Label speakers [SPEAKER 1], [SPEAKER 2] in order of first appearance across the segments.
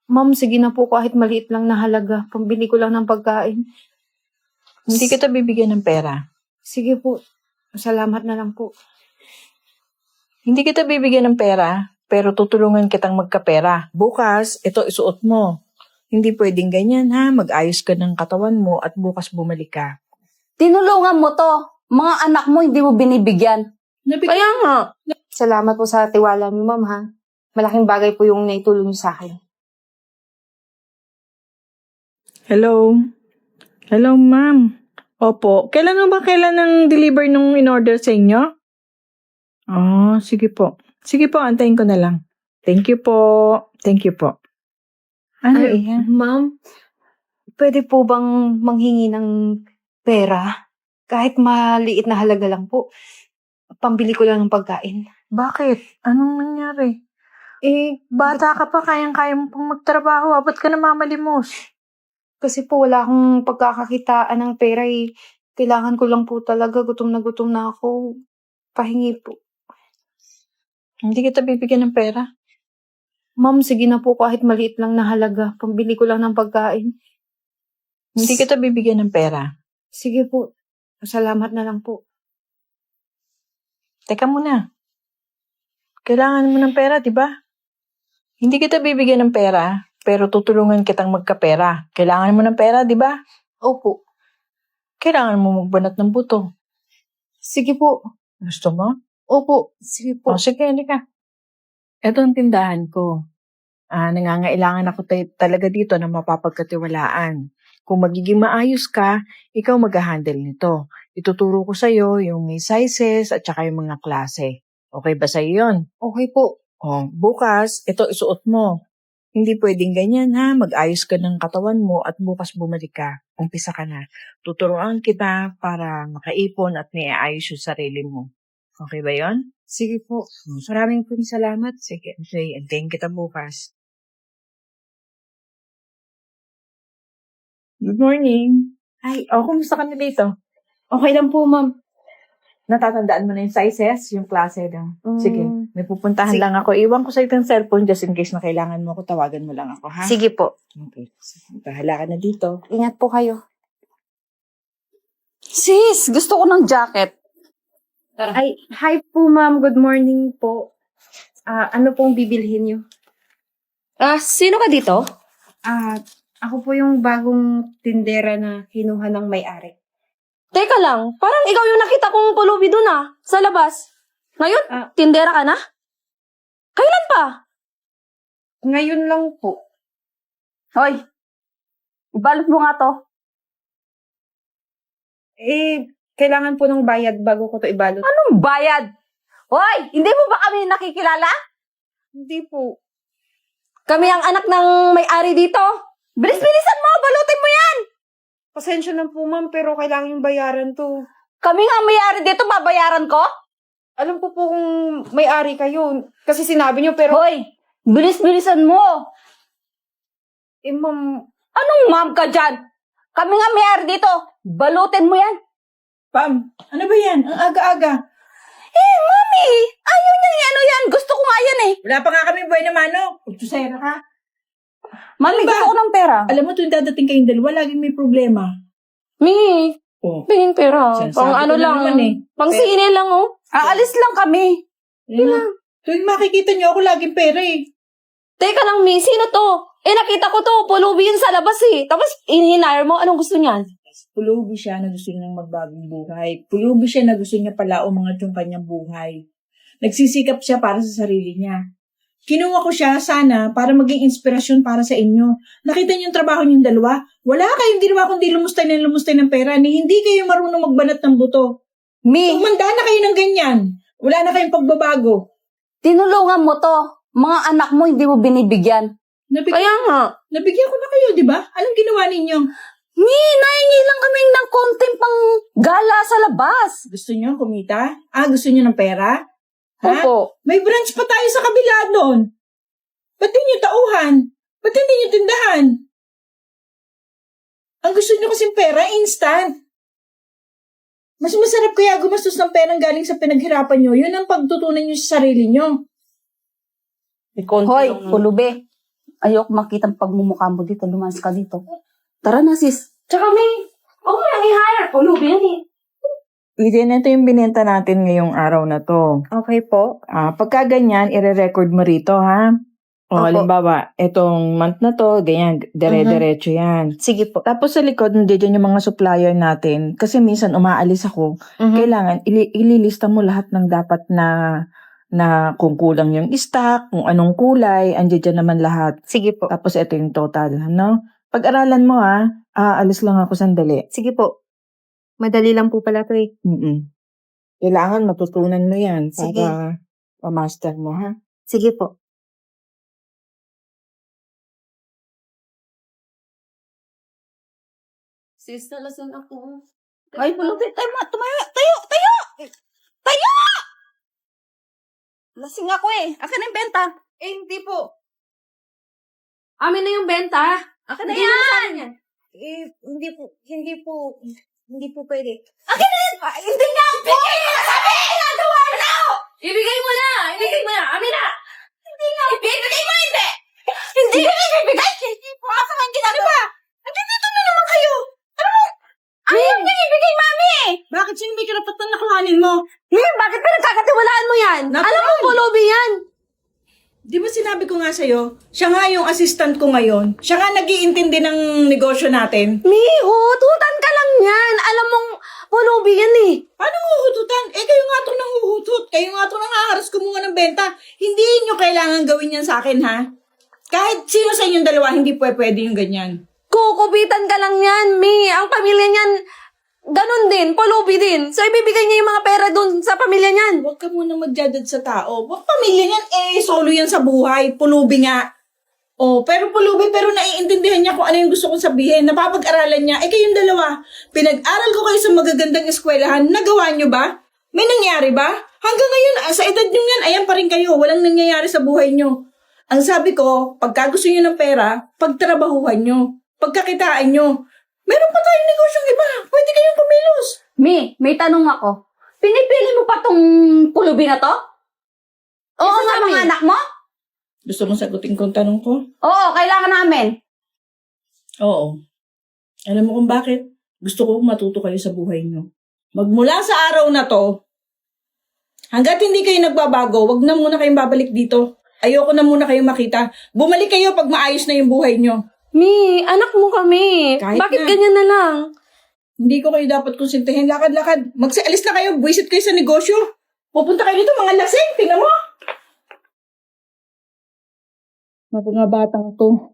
[SPEAKER 1] Ma'am, sige na po kahit maliit lang na halaga. Pambili ko lang ng pagkain.
[SPEAKER 2] Hindi kita bibigyan ng pera.
[SPEAKER 1] Sige po. Salamat na lang po.
[SPEAKER 2] Hindi kita bibigyan ng pera, pero tutulungan kitang magkapera. Bukas, ito isuot mo. Hindi pwedeng ganyan ha, mag-ayos ka ng katawan mo at bukas bumalik ka.
[SPEAKER 3] Tinulungan mo to. Mga anak mo hindi mo binibigyan.
[SPEAKER 1] Kaya nga. Salamat po sa tiwala niyo, ma'am, ha? Malaking bagay po yung naitulong niyo sa akin.
[SPEAKER 2] Hello? Hello, ma'am. Opo. Kailan ng deliver nung in-order sa inyo? Sige po. Sige po, antayin ko na lang. Thank you po. Thank you po. Ano iyan?
[SPEAKER 1] Ma'am, pwede po bang manghingi ng pera? Kahit maliit na halaga lang po. Pambili ko lang ng pagkain.
[SPEAKER 2] Bakit? Anong nangyari? Bata ka pa, kayang-kaya mo pang magtrabaho. Ba't ka namamalimos?
[SPEAKER 1] Kasi po wala akong pagkakakitaan ng pera eh. Kailangan ko lang po talaga. Gutom na ako. Pahingi po.
[SPEAKER 2] Hindi kita bibigyan ng pera.
[SPEAKER 1] Ma'am, sige na po kahit maliit lang na halaga. Pambili ko lang ng pagkain.
[SPEAKER 2] Hindi kita bibigyan ng pera.
[SPEAKER 1] Sige po. Salamat na lang po.
[SPEAKER 2] Teka muna. Kailangan mo ng pera, di ba? Hindi kita bibigyan ng pera, pero tutulungan kitang magkapera. Kailangan mo ng pera, di ba?
[SPEAKER 1] Opo.
[SPEAKER 2] Kailangan mo magbanat ng buto.
[SPEAKER 1] Sige po.
[SPEAKER 2] Gusto mo?
[SPEAKER 1] Opo. Sige po.
[SPEAKER 2] Sige, halika. Ito ang tindahan ko. Nangangailangan ako talaga dito na mapapagkatiwalaan. Kung magiging maayos ka, ikaw mag-handle nito. Ituturo ko sa'yo yung may sizes at saka yung mga klase. Okay ba sa'yo yun?
[SPEAKER 1] Okay po.
[SPEAKER 2] Bukas, ito isuot mo. Hindi pwedeng ganyan ha, mag-ayos ka ng katawan mo at bukas bumalik ka. Umpisa ka na. Tuturuan kita para makaipon at naiayos yung sarili mo. Okay ba yun?
[SPEAKER 1] Sige po. Maraming salamat.
[SPEAKER 2] Sige, antayin kita bukas. Good morning.
[SPEAKER 1] Ay,
[SPEAKER 2] Kumusta ka na dito?
[SPEAKER 1] okay lang po, ma'am.
[SPEAKER 2] Natatandaan mo na yung sizes, yung klase daw. Sige, may pupuntahan
[SPEAKER 1] Sige.
[SPEAKER 2] lang ako. Iwan ko sa itong cellphone just in case na kailangan mo ako, tawagan mo lang ako, ha?
[SPEAKER 1] Sige po.
[SPEAKER 2] Okay. Bahala ka na dito.
[SPEAKER 1] Ingat po kayo.
[SPEAKER 3] Sis, gusto ko ng jacket.
[SPEAKER 1] Ay, hi po, ma'am. Good morning po. Ano pong bibilhin niyo?
[SPEAKER 3] Sino ka dito?
[SPEAKER 1] Ako po yung bagong tindera na kinuha ng may-ari.
[SPEAKER 3] Teka lang, parang ikaw yung nakita kong pulubi dun sa labas. Ngayon, tindera ka na? Kailan pa?
[SPEAKER 1] Ngayon lang po.
[SPEAKER 3] Hoy, ibalot mo nga to.
[SPEAKER 1] Kailangan po ng bayad bago ko to ibalot.
[SPEAKER 3] Anong bayad? Hoy, hindi mo ba kami nakikilala?
[SPEAKER 1] Hindi po.
[SPEAKER 3] Kami ang anak ng may-ari dito. Bilis-bilisan mo, balutin mo yan.
[SPEAKER 1] Pasensya na po, ma'am, pero kailangan yung bayaran to.
[SPEAKER 3] Kami nga ang may-ari dito, babayaran ko?
[SPEAKER 1] Alam ko po kung may-ari kayo. Kasi sinabi niyo, pero...
[SPEAKER 3] Hoy, bilis-bilisan mo.
[SPEAKER 1] Ma'am...
[SPEAKER 3] Anong ma'am ka dyan? Kami nga may-ari dito. Balutin mo yan.
[SPEAKER 2] Pam, ano ba yan? Ang aga-aga.
[SPEAKER 3] Mami, ayaw niya yan. Gusto ko nga yan eh.
[SPEAKER 2] Wala pa nga kami buhay na mano. Pagtusera ka.
[SPEAKER 3] Mami,
[SPEAKER 2] Ano ba?
[SPEAKER 3] gusto ko ng pera.
[SPEAKER 2] Alam mo, tuwing dadating kayong dalawa, laging may problema.
[SPEAKER 3] Mi, pingin pera.
[SPEAKER 2] Sinasabi
[SPEAKER 3] Pang
[SPEAKER 2] ko
[SPEAKER 3] ano
[SPEAKER 2] na
[SPEAKER 3] lang.
[SPEAKER 2] naman eh.
[SPEAKER 3] Pang sine lang Aalis lang kami.
[SPEAKER 2] Tuwing makikita niyo ako, laging pera eh.
[SPEAKER 3] Teka lang, Mi, sino to? Nakita ko to, pulubi yun sa labas eh. Tapos, inhinire mo, anong gusto niyan?
[SPEAKER 2] Pulubi siya na gusto niya ng magbagong buhay. Pulubi siya na gusto niya palao mga yung kanyang buhay. Nagsisikap siya para sa sarili niya. Kinuha ko siya sana para maging inspirasyon para sa inyo. Nakita niyo yung trabaho niyong dalawa? Wala kayong ginawa kundi lumustay ng pera ni hindi kayo marunong magbanat ng buto.
[SPEAKER 3] Mi,
[SPEAKER 2] Tumanda na kayo ng ganyan. Wala na kayong pagbabago.
[SPEAKER 3] tinulungan mo to. Mga anak mo hindi mo binibigyan.
[SPEAKER 1] Kaya nga.
[SPEAKER 2] Nabigyan ko na kayo, di ba? Anong ginawa ninyo?
[SPEAKER 3] Mi, nahingi lang kami ng konting pang gala sa labas.
[SPEAKER 2] Gusto niyo kumita? Gusto niyo ng pera? Ha?
[SPEAKER 3] Opo.
[SPEAKER 2] May branch pa tayo sa kabila doon. Ba't di niyo tauhan? Ba't hindi niyo tindahan? Ang gusto niyo kasing pera, instant. Mas masarap kaya gumastos ng perang galing sa pinaghirapan niyo. Yun ang pagtutunan niyo sa sarili niyo.
[SPEAKER 3] Hoy, pulubi.
[SPEAKER 4] Ayoko makita ang pagmumukha mo dito. Lumas ka dito. Tara na, sis.
[SPEAKER 3] Tsaka may, huwag mo nang i-hire. Pulubi yan eh.
[SPEAKER 2] Eden, ito yung binenta natin ngayong araw na to.
[SPEAKER 1] Okay po.
[SPEAKER 2] Pagka ganyan, ire-record mo rito, ha? O,
[SPEAKER 1] Opo.
[SPEAKER 2] halimbawa, itong month na to, ganyan, dire-diretso yan.
[SPEAKER 1] Sige po.
[SPEAKER 2] Tapos sa likod, nandiyan yung mga supplier natin. Kasi minsan umaalis ako. Kailangan, ililista mo lahat ng dapat na kung kulang yung stock, kung anong kulay, andiyan dyan naman lahat.
[SPEAKER 1] Sige po.
[SPEAKER 2] Tapos ito yung total, no? Pag-aralan mo, alis lang ako sandali.
[SPEAKER 1] Sige po. Madali lang po pala to eh.
[SPEAKER 2] Kailangan matutunan mo yan
[SPEAKER 1] Sige.
[SPEAKER 2] para ma-master mo, ha?
[SPEAKER 1] Sige po.
[SPEAKER 3] Sis, nalasan ako.
[SPEAKER 4] Ay, pulubi. Tumayo. Tayo! Tayo! Lasing ako eh. Akin ang benta.
[SPEAKER 1] Hindi po.
[SPEAKER 3] Amin na yung benta.
[SPEAKER 4] Akin na
[SPEAKER 3] Bigyan mo sa
[SPEAKER 4] yan!
[SPEAKER 3] amin yan.
[SPEAKER 1] Hindi po pwede.
[SPEAKER 4] Hindi nga po! Sabi! Ginagawa na!
[SPEAKER 3] Ibigay mo na! Ibigay mo na! Amin na!
[SPEAKER 4] Ibibigay mo hindi! Hindi ko ibibigay! Hindi po ako ang ginagawa! Nandito na naman kayo! Ano mo? Ayaw niya ibigay, mami!
[SPEAKER 2] Bakit sino may karapatan na kuhanin mo?
[SPEAKER 3] Bakit pinagkakatiwalaan mo yan?
[SPEAKER 2] Natural.
[SPEAKER 3] Alam mo, pulubi yan.
[SPEAKER 2] Di ba sinabi ko nga sa'yo, siya nga yung assistant ko ngayon. Siya nga nag-iintindi ng negosyo natin.
[SPEAKER 3] Hututan ka lang yan. Alam mong pulubi yan eh.
[SPEAKER 2] Paano huhututan? Kayo nga itong nanguhutot. Kayo nga itong nangaharas kumuha ng benta. Hindi nyo kailangan gawin yan sa akin, ha? Kahit sino sa inyong dalawa, hindi pwede yung ganyan.
[SPEAKER 3] Kukupitan ka lang yan, Mi. Ang pamilya niyan, ganun din, pulubi din. So, ibibigay niya yung mga pera dun sa pamilya niyan.
[SPEAKER 2] Huwag ka muna mag-judge sa tao. Huwag pamilya yan, solo yan sa buhay. Pulubi nga. Pero pulubi, pero naiintindihan niya kung ano yung gusto kong sabihin. Napapag-aralan niya. Kayong dalawa, pinag-aral ko kayo sa magagandang eskwelahan. Nagawa niyo ba? May nangyari ba? Hanggang ngayon, sa edad niyo yan, ayan pa rin kayo. Walang nangyayari sa buhay niyo. Ang sabi ko, pagka gusto niyo ng pera, pagtrabahuhan niyo. Pagkakitaan niyo. Meron pa tayong negosyong iba. Pwede kayong kumilos.
[SPEAKER 4] Mi, may tanong ako. Pinipili mo pa tong pulubi na to?
[SPEAKER 3] Oo,
[SPEAKER 4] Isa sa
[SPEAKER 3] mami.
[SPEAKER 4] mga anak mo?
[SPEAKER 2] Gusto mo sagutin kong tanong ko?
[SPEAKER 4] Oo, kailangan namin.
[SPEAKER 2] Oo. Alam mo kung bakit? Gusto ko matuto kayo sa buhay niyo. Magmula sa araw na to, hanggat hindi kayo nagbabago, wag na muna kayong babalik dito. Ayoko na muna kayong makita. Bumalik kayo pag maayos na yung buhay niyo.
[SPEAKER 3] Mi, anak mo kami.
[SPEAKER 2] Kahit
[SPEAKER 3] Bakit
[SPEAKER 2] na.
[SPEAKER 3] ganyan na lang?
[SPEAKER 2] Hindi ko kayo dapat konsintihin. Lakad-lakad. Alis na kayo. Buisit kayo sa negosyo. Pupunta kayo dito, mga lasing. Tingnan mo. Mga batang to.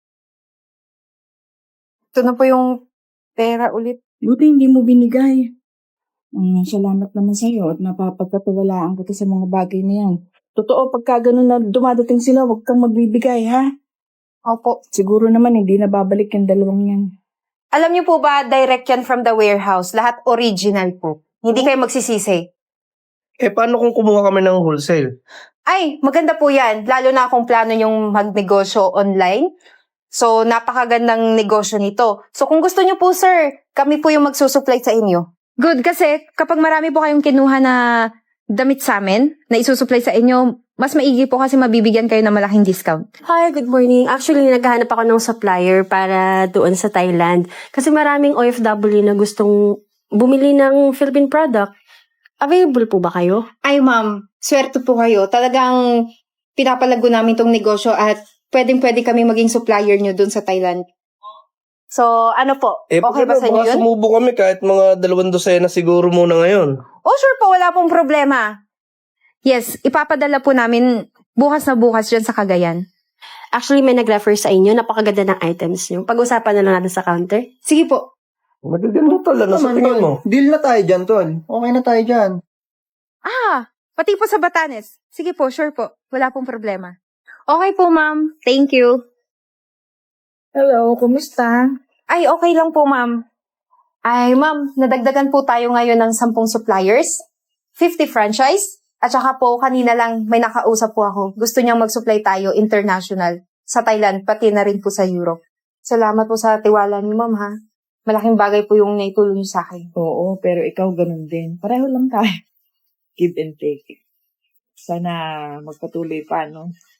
[SPEAKER 1] Ito na po yung pera ulit.
[SPEAKER 2] Buti hindi mo binigay. Salamat naman sa'yo at napapagkatiwalaan kita sa mga bagay na yan. Totoo, pagka ganun na dumadating sila, huwag kang magbibigay, ha?
[SPEAKER 1] Opo.
[SPEAKER 2] Siguro naman hindi na babalik yung dalawang yan.
[SPEAKER 1] Alam niyo po ba, direct yan from the warehouse. Lahat original po. Hindi kayo magsisisi.
[SPEAKER 5] Paano kung kumuha kami ng wholesale?
[SPEAKER 1] Ay, maganda po yan. Lalo na kung plano yung magnegosyo online. So, napakagandang negosyo nito. So, kung gusto niyo po, sir, kami po yung magsusupply sa inyo. Good, kasi kapag marami po kayong kinuha na damit sa amin, na isusupply sa inyo, mas maigi po kasi mabibigyan kayo ng malaking discount.
[SPEAKER 6] Hi, good morning. Actually, naghahanap ako ng supplier para doon sa Thailand. Kasi maraming OFW na gustong bumili ng Philippine product. Available po ba kayo?
[SPEAKER 1] Ay, ma'am, swerte po kayo. Talagang pinapalago namin tong negosyo at pwedeng-pwede kami maging supplier nyo dun sa Thailand. So, ano po? Okay ba sa inyo
[SPEAKER 5] baka
[SPEAKER 1] yun?
[SPEAKER 5] sumubo kami kahit mga 2 dosena siguro muna ngayon.
[SPEAKER 1] Oh, sure po. Wala pong problema. Yes, ipapadala po namin bukas na bukas dyan sa Cagayan.
[SPEAKER 6] Actually, may nag-refer sa inyo. Napakaganda ng items nyo. Pag-usapan na lang natin sa counter.
[SPEAKER 1] Sige po.
[SPEAKER 5] Magaganda tol, ano sa tingin mo?
[SPEAKER 7] Deal na tayo dyan, tol. Okay na tayo dyan.
[SPEAKER 1] Pati po sa Batanes. Sige po, sure po. Wala pong problema. Okay po, ma'am. Thank you.
[SPEAKER 2] Hello, kumusta?
[SPEAKER 1] Ay, okay lang po, ma'am. Ay, ma'am, nadagdagan po tayo ngayon ng 10 suppliers, 50 franchise, at saka po kanina lang may nakausap po ako. Gusto niyang mag-supply tayo international sa Thailand, pati na rin po sa Europe. Salamat po sa tiwala niyo, ma'am, ha? Malaking bagay po yung naitulong niyo sa akin.
[SPEAKER 2] Oo, pero ikaw ganun din. Pareho lang tayo. Give and take. Sana magpatuloy pa, no?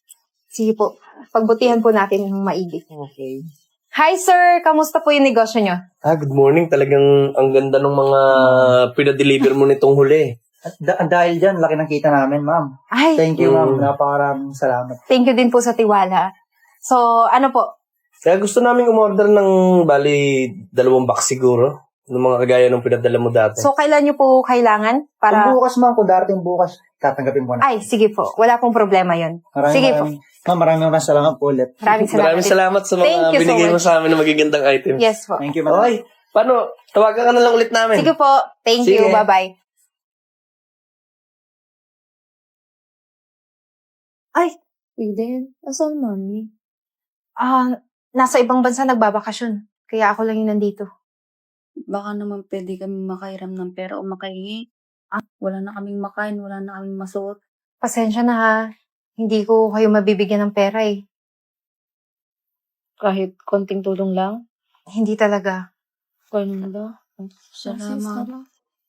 [SPEAKER 1] Sige po. Pagbutihan po natin ng maigi.
[SPEAKER 5] Okay.
[SPEAKER 1] Hi, sir! Kamusta po yung negosyo nyo?
[SPEAKER 5] Good morning. Talagang ang ganda ng mga pinadeliver mo nitong huli.
[SPEAKER 7] At dahil dyan, laki ng kita namin, ma'am.
[SPEAKER 1] Ay,
[SPEAKER 7] Thank you, ma'am. Napakaraming salamat.
[SPEAKER 1] thank you din po sa tiwala. So, ano po?
[SPEAKER 5] Kaya gusto namin umorder ng, bali, 2 box siguro. Ng mga kagaya ng pinadala mo dati.
[SPEAKER 1] So, kailan nyo po kailangan?
[SPEAKER 7] Kung
[SPEAKER 1] Para...
[SPEAKER 7] bukas, ma'am, kung darating bukas, tatanggapin po na.
[SPEAKER 1] Ay, sige po. Wala pong problema yon. Sige po.
[SPEAKER 7] Maraming salamat po ulit.
[SPEAKER 1] Maraming salamat.
[SPEAKER 5] Maraming salamat sa
[SPEAKER 1] Thank
[SPEAKER 5] mga
[SPEAKER 1] you so
[SPEAKER 5] binigay mo
[SPEAKER 1] much.
[SPEAKER 5] sa amin ng magagandang items.
[SPEAKER 1] Yes po.
[SPEAKER 7] Thank you, ma'am.
[SPEAKER 5] Okay. Paano? Tawagan ka na lang ulit namin.
[SPEAKER 1] Sige po. Thank
[SPEAKER 5] Sige.
[SPEAKER 1] you. Bye-bye. Ay, Eden. Asan mami? Nasa ibang bansa nagbabakasyon. Kaya ako lang yung nandito.
[SPEAKER 8] Baka naman pwede kami makairam ng pera o makahingi. Wala na kaming makain, wala na kaming masuot.
[SPEAKER 1] Pasensya na ha. Hindi ko kayo mabibigyan ng pera eh.
[SPEAKER 3] Kahit konting tulong lang.
[SPEAKER 1] Hindi talaga.
[SPEAKER 3] Ganda.
[SPEAKER 8] Salamat.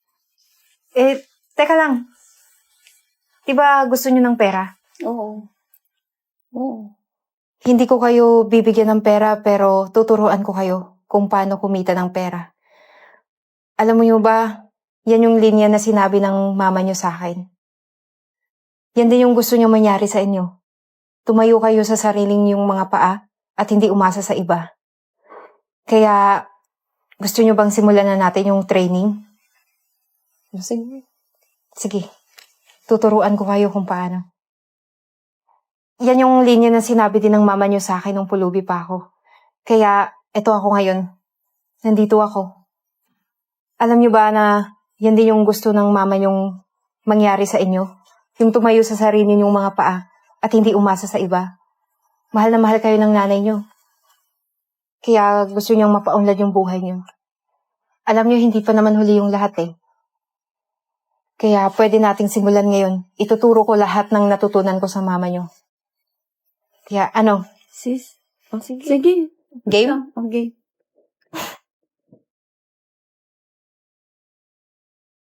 [SPEAKER 1] Teka lang. Diba gusto nyo ng pera?
[SPEAKER 8] Oo. Oo.
[SPEAKER 1] Hindi ko kayo bibigyan ng pera pero tuturuan ko kayo kung paano kumita ng pera. Alam mo nyo ba, yan yung linya na sinabi ng mama nyo sa akin. Yan din yung gusto nyo mangyari sa inyo. Tumayo kayo sa sariling yung mga paa at hindi umasa sa iba. Kaya, gusto nyo bang simulan na natin yung training? Sige. Sige. Tuturuan ko kayo kung paano. Yan yung linya na sinabi din ng mama nyo sa akin nung pulubi pa ako. Kaya, eto ako ngayon. Nandito ako. Alam nyo ba na yan din yung gusto ng mama nyong mangyari sa inyo? Yung tumayo sa sarili nyong mga paa at hindi umasa sa iba. Mahal na mahal kayo ng nanay nyo. Kaya gusto nyong mapaunlad yung buhay nyo. Alam nyo, hindi pa naman huli yung lahat eh. Kaya pwede nating simulan ngayon. Ituturo ko lahat ng natutunan ko sa mama nyo. Kaya ano?
[SPEAKER 8] Sis? Oh, sige.
[SPEAKER 3] Sige.
[SPEAKER 1] Game?
[SPEAKER 8] Okay.